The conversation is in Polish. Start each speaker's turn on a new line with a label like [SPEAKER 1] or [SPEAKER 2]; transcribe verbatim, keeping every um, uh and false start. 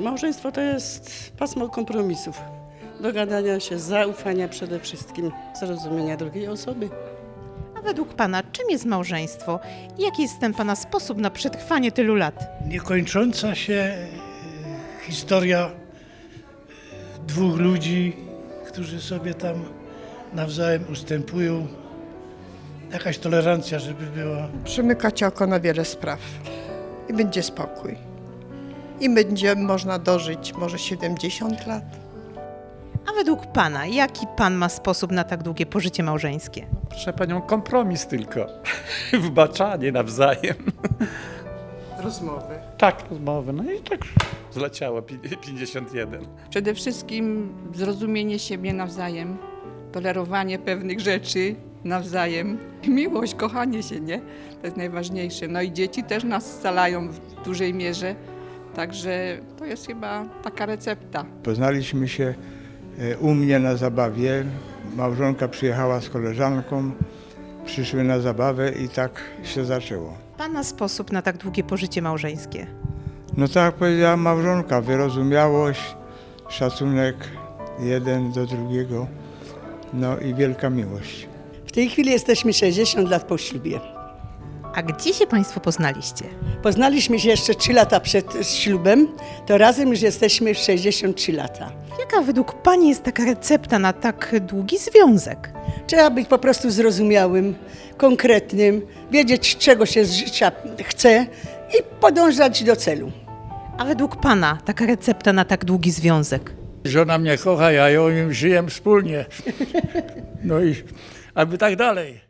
[SPEAKER 1] Małżeństwo to jest pasmo kompromisów, dogadania się, zaufania przede wszystkim, zrozumienia drugiej osoby.
[SPEAKER 2] A według Pana, czym jest małżeństwo i jaki jest ten Pana sposób na przetrwanie tylu lat?
[SPEAKER 3] Niekończąca się e, historia e, dwóch ludzi, którzy sobie tam nawzajem ustępują. Jakaś tolerancja, żeby była.
[SPEAKER 4] Przymykać oko na wiele spraw i będzie spokój. I będzie można dożyć może siedemdziesiąt lat.
[SPEAKER 2] A według Pana, jaki Pan ma sposób na tak długie pożycie małżeńskie?
[SPEAKER 5] Proszę panią, kompromis tylko. Wbaczanie nawzajem.
[SPEAKER 4] Rozmowy.
[SPEAKER 5] Tak, rozmowy. No i tak zleciało pi- pięćdziesiąt jeden.
[SPEAKER 6] Przede wszystkim zrozumienie siebie nawzajem, tolerowanie pewnych rzeczy nawzajem, miłość, kochanie się, nie? To jest najważniejsze. No i dzieci też nas scalają w dużej mierze, także to jest chyba taka recepta.
[SPEAKER 7] Poznaliśmy się e, u mnie na zabawie. Małżonka przyjechała z koleżanką, przyszły na zabawę i tak się zaczęło.
[SPEAKER 2] Pana sposób na tak długie pożycie małżeńskie?
[SPEAKER 7] No tak jak powiedziała małżonka, wyrozumiałość, szacunek jeden do drugiego, no i wielka miłość.
[SPEAKER 8] W tej chwili jesteśmy sześćdziesiąt lat po ślubie.
[SPEAKER 2] A gdzie się Państwo poznaliście?
[SPEAKER 8] Poznaliśmy się jeszcze trzy lata przed ślubem, to razem już jesteśmy sześćdziesiąt trzy lata.
[SPEAKER 2] Jaka według Pani jest taka recepta na tak długi związek?
[SPEAKER 8] Trzeba być po prostu zrozumiałym, konkretnym, wiedzieć czego się z życia chce i podążać do celu.
[SPEAKER 2] A według Pana taka recepta na tak długi związek?
[SPEAKER 3] Żona mnie kocha, ja ją żyję wspólnie. No i aby tak dalej.